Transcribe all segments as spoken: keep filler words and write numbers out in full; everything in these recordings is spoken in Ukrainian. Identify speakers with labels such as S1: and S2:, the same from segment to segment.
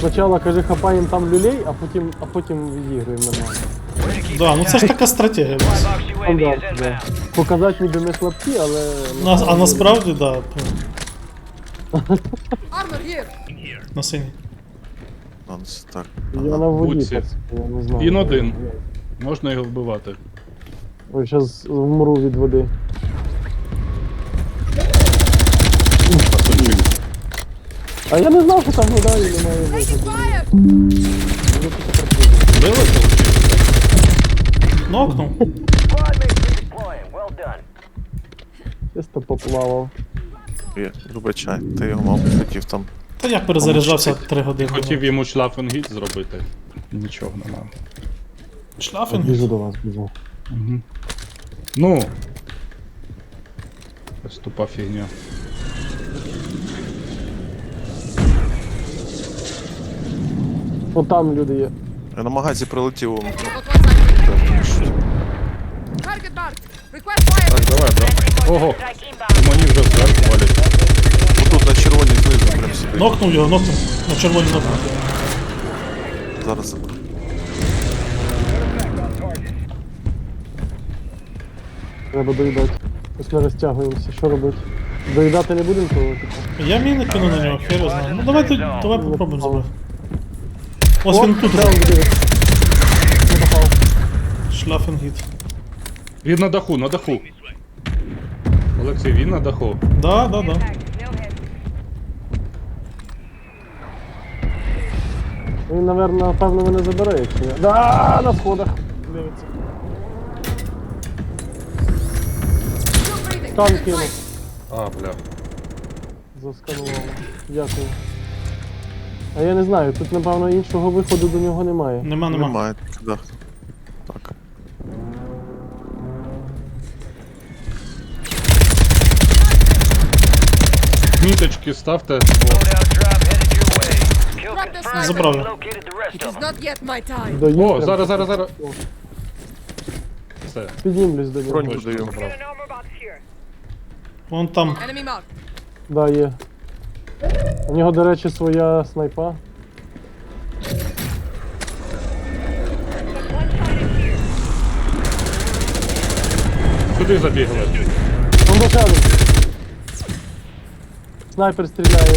S1: Спочатку, каже, хапаємо там люлей, а потім, а потім відіграємо нормально.
S2: Да, ну це ж така стратегія.
S1: Стандарт, да. Показати ніби ми слабкі, але...
S2: На, а насправді, да. На синій.
S3: Так.
S1: Я на воді,
S4: Будці.
S1: пацан, я не знаю.
S4: Він один. Можна його вбивати.
S1: Ой, зараз вмру від води.
S4: Пасунчик.
S1: А я не знав, що там вода і немає виходу.
S4: Били
S2: Нокнув.
S1: Чисто поплавав.
S3: Є, вибачай, ти його, мав хотів там.
S2: Та я перезаряджався три години.
S4: Хотів йому шлафенгіт зробити. Нічого немає.
S2: Шлафінг.
S1: Біжу до вас, біжу.
S4: Угу. Ну. Ось тупа фігня.
S1: От там люди є.
S3: Я на магазі прилетів. о,
S4: Так, давай, да. Ого. Мені вже зверху валять.
S3: Отут на червоній знизу прям собі.
S2: Нокнув його, нокнув. На червоній нокнув.
S3: Зараз заберу.
S1: Треба доїдати. Ось ми розтягуємося. Що робити? Доїдати не будемо, то типу.
S2: Я міни кину на нього, хер його знає. Ну давайте, давай попробуємо забрати. Ось він тут.
S1: Де він буде? Не попав.
S2: Шлафінгіт.
S4: Він на даху, на даху. Олексій, він на даху.
S2: Да, да, да.
S1: Він, напевно, напевно, мене забере, якщо я... Да, на сходах. Дивиться. Стан кинув.
S4: А, бля.
S1: Засканував. Дякую. А я не знаю, тут, напевно, іншого виходу до нього немає.
S2: Нема, нема.
S3: Немає. Да. Так.
S4: Міточки ставте.
S2: Забрав його.
S1: Доїдь
S4: О,
S1: прям.
S4: зараз, зараз, зараз. Все.
S1: Піднімлюсь до нього.
S3: Броньку даю.
S2: Вон там.
S1: Да, є. У нього, до речі, своя снайпа.
S4: Куди забігли?
S1: Он бачали. Снайпер стріляє.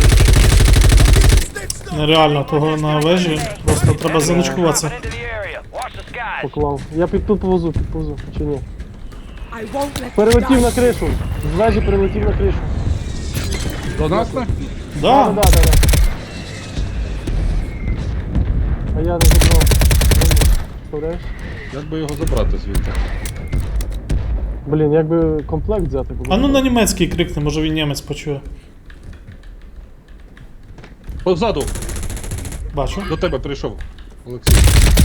S2: Нереально, того на вежі. Просто треба заночкуватися.
S1: Поклав. Я під тут повозу, підповзу, чи ні? Перелетів на кришу. З вежі перелетів на кришу.
S4: До нас не?
S1: Да,
S2: Да.
S1: да, да, да. А я не забрав. Представляєш?
S4: Як би його забрати звідти?
S1: Блін, якби комплект взяти було.
S2: А ну на німецький крикне, може він німець почує.
S4: Позаду!
S2: Бачу.
S4: До тебе прийшов. Олексій.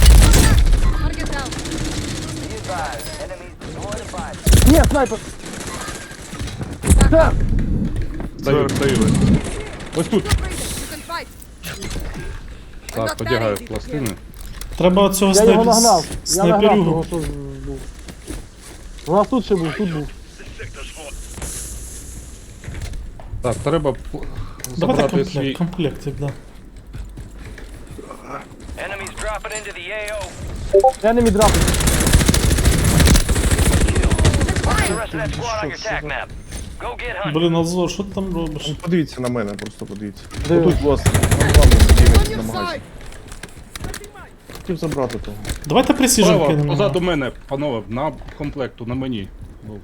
S1: Ні, снайпер! Так!
S4: Даю, даю. Ось тут. Так, подягаю в пластини.
S2: Треба цього
S1: Я його
S2: снайпер...
S1: нагнав. Я нагнав того,
S2: снайперюгу.
S1: що був. У нас тут ще був, тут був.
S4: Так, треба п-
S2: Давайте
S4: забрати
S2: комплект,
S4: свій.
S2: комплектик, да.
S5: Enemies dropping into the A O.
S1: Я не відрапив.
S5: The rest of that squad on your attack map. Go get hunting.
S2: Блін, Алзор, що ти там робиш?
S6: Подивіться на мене, просто подивіться.
S1: Дивись.
S6: Отут у вас на главному сиділи на магазі. Хотів забрати того.
S2: Давайте пресіжен
S4: Право,
S2: кинемо.
S4: позаду мене, панове, на комплекту, на мені. Був.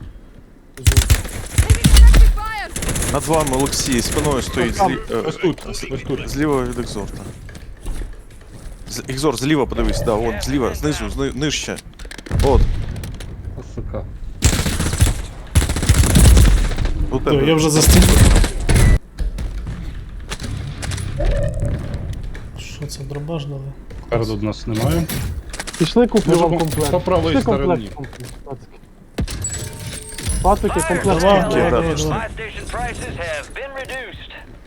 S3: Над вами Олексій, спиною стоїть злі... е,
S4: Ось тут,
S3: з-
S4: ось тут.
S3: Зліва від екзорта. З... Екзор, зліва подивись, да, вон, зліва, знизу, зни... нижче. От,
S4: А, сука.
S3: у
S2: Все,
S3: тебе.
S2: я вже застиг. Що це, дробаш дали?
S4: Спереду нас немає.
S1: Пішли куплю
S4: Може,
S1: вам
S4: по-
S1: комплект.
S4: по правій
S1: Пішли
S4: стороні.
S1: комплект куплю, пацики. Пацики, комплект.
S2: Давай,
S1: куплю.
S2: давай,
S3: да,
S2: давай,
S3: пішли.
S2: давай.
S5: Buy station prices have been reduced.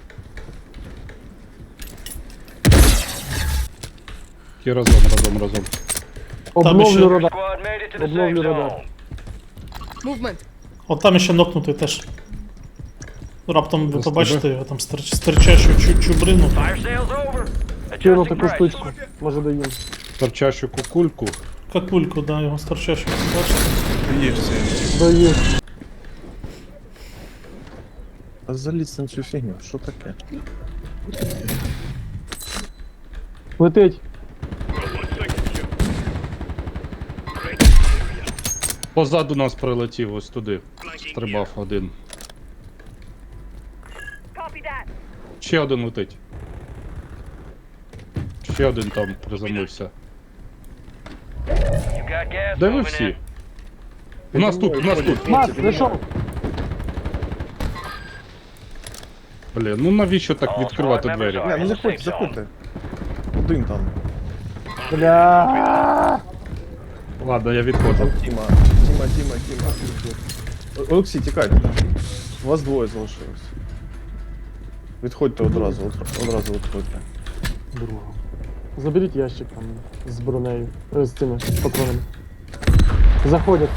S4: Ті разом, разом, разом.
S1: Обновлю
S2: ще-
S1: радар.
S5: Squad made it to the
S1: Обновлю
S5: safe
S1: радар.
S5: zone.
S2: От там ще нокнутий теж. Раптом ви
S4: Ось
S2: побачите
S4: тебе.
S2: його там стирч... стирчащу чу чубрину.
S5: Fire sales over.
S1: Кину
S5: Adjusting
S1: таку
S5: price.
S1: штучку. Може доїм.
S4: Торчащу кукульку.
S2: Какульку, да, його старчащу. Бачите?
S3: Є всі.
S1: Доїм.
S3: А залізь на цю фігню, що таке?
S1: Летить.
S4: Позаду нас прилетів ось туди. Стрибав один. Ще один летить. Ще один там приземлився.
S5: You got gas
S4: Де ви
S5: moving
S4: всі?
S5: in.
S4: У нас тут, у нас тут.
S1: Мат, зайшов.
S4: Блін, ну навіщо так
S5: All
S4: відкривати
S5: squad
S4: двері?
S5: members
S3: Не, ну заходь, заходьте. Один там.
S1: Бля.
S4: Ладно, я відходжу.
S3: Там Тіма. Тіма, Тіма, Тіма. О- Олексій, тікайте там. У вас двоє залишилось. Відходьте одразу, од- одразу відходьте.
S1: Друга. Заберіть ящик там з бронею. Е, з цими патронами. Заходять.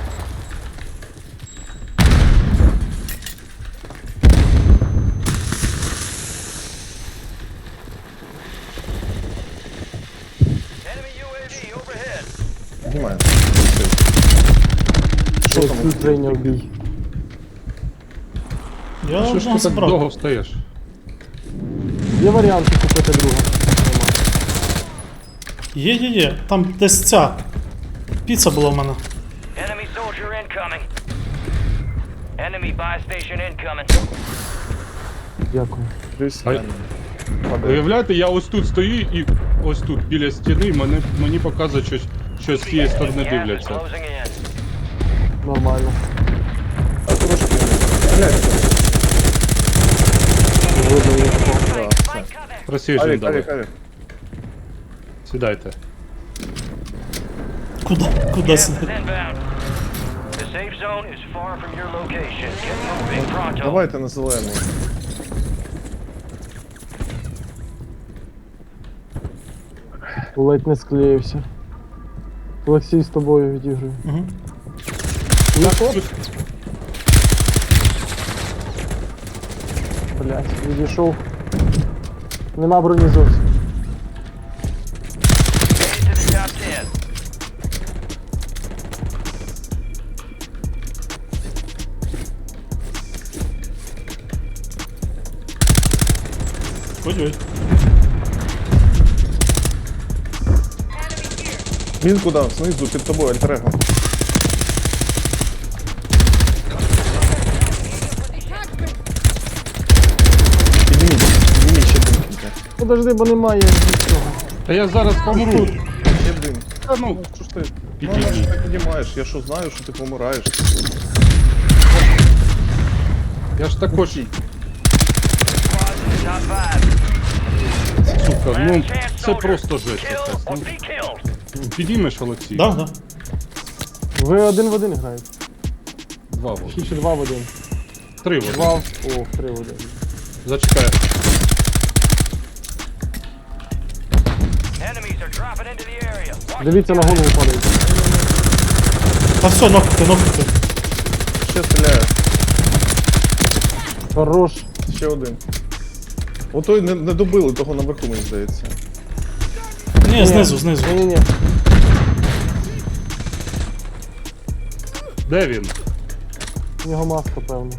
S5: Enemy ю ей ві overhead.
S3: Знімає.
S1: Що там? Прийняв бій.
S2: Я
S4: Що ж
S2: одного
S4: ти так
S2: забрав.
S4: довго встаєш?
S1: Є варіанти купити друга.
S2: Є, є, є. Там десь ця. Піца була в мене.
S5: Enemy soldier incoming. Enemy buy station incoming.
S1: Дякую.
S3: Дивись,
S4: А-
S3: там. Падає.
S4: Уявляєте, я ось тут стою і ось тут, біля стіни, мене, мені показує, що, що з цієї сторони
S5: Gas is
S4: дивляться.
S5: closing in.
S1: Нормально.
S3: А трошки. Блядь,
S1: Видно їх.
S3: да, все.
S4: Просіжджен
S3: Авік,
S4: давай.
S3: авік, авік.
S4: Сідайте.
S2: Куди? Куди
S5: Gas is
S2: сидить?
S5: inbound. The safe zone is far from your location. Get moving pronto.
S3: Давайте на зелену.
S1: Ледь не склеївся. Олексій з тобою відіграю.
S2: Угу.
S1: Блять, відійшов. Нема броні зовсім.
S5: Made it to the top ten.
S2: Ой-ой.
S3: Він куди? Знизу, під тобою, альтерего. Підніміть, підніміть ще дим.
S1: Подожди, бо немає нічого.
S4: Та я зараз помру.
S3: Ще дим.
S4: Та ну,
S3: Що ж ти? Ну,
S4: Підійди.
S3: ну, що ти піднімаєш? Я що знаю, що ти помираєш.
S4: я ж також,
S5: Squad in the top five.
S4: сука, ну,
S5: Last chance,
S4: це
S5: soldier.
S4: просто жесть
S5: Kill
S4: якась.
S5: or
S4: Ну,
S5: be killed.
S4: підіймеш, Олексій?
S2: Да, да.
S1: Ви один в один граєте.
S4: Два вот.
S1: Чи ще два в один?
S4: Три вот.
S1: Два в... О, три в один.
S4: Зачекай.
S5: Enemies are dropping into the area. Watch
S1: Дивіться, на голову падають.
S2: Та все, нокнути, нокнути.
S3: Ще стріляє.
S1: Хорош.
S3: Ще один. Отой не, не добили, того наверху, мені здається.
S2: Ні, знизу, знизу.
S1: Ні-ні-ні.
S4: Де він?
S1: У нього маска, певно.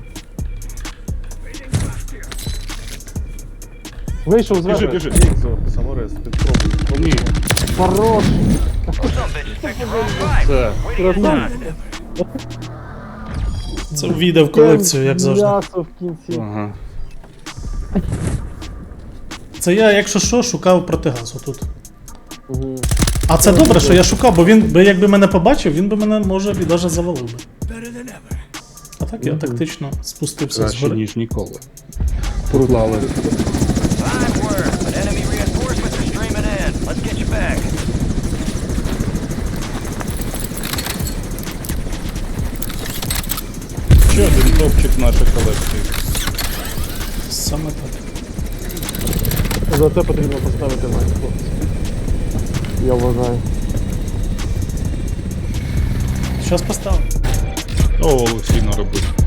S1: Вийшов
S4: Біжи,
S1: зверху.
S4: біжи.
S3: Ікзор, саморез, підпробуй.
S4: Ні,
S1: Хорош.
S5: some bitches picked the wrong fight.
S4: це.
S5: Way to get done.
S2: Це війде в колекцію, як завжди.
S1: М'ясо в кінці.
S4: Ага.
S2: Це я, якщо що, шукав протигаз отут.
S1: Угу.
S2: А це добре, що я шукав, бо він би якби мене побачив, він би мене може і навіть завалив би. А так я тактично спустився
S4: Краще,
S2: згори.
S4: ніж ніколи. Поклали.
S5: Five word. Enemy reinforcements are streaming in. Let's get you back.
S4: Ще один топчик нашої колекції.
S2: Саме так.
S1: За це потрібно поставити лайк, хлопці. Я вважаю.
S2: Щас поставимо.
S4: О, Олексій наробив.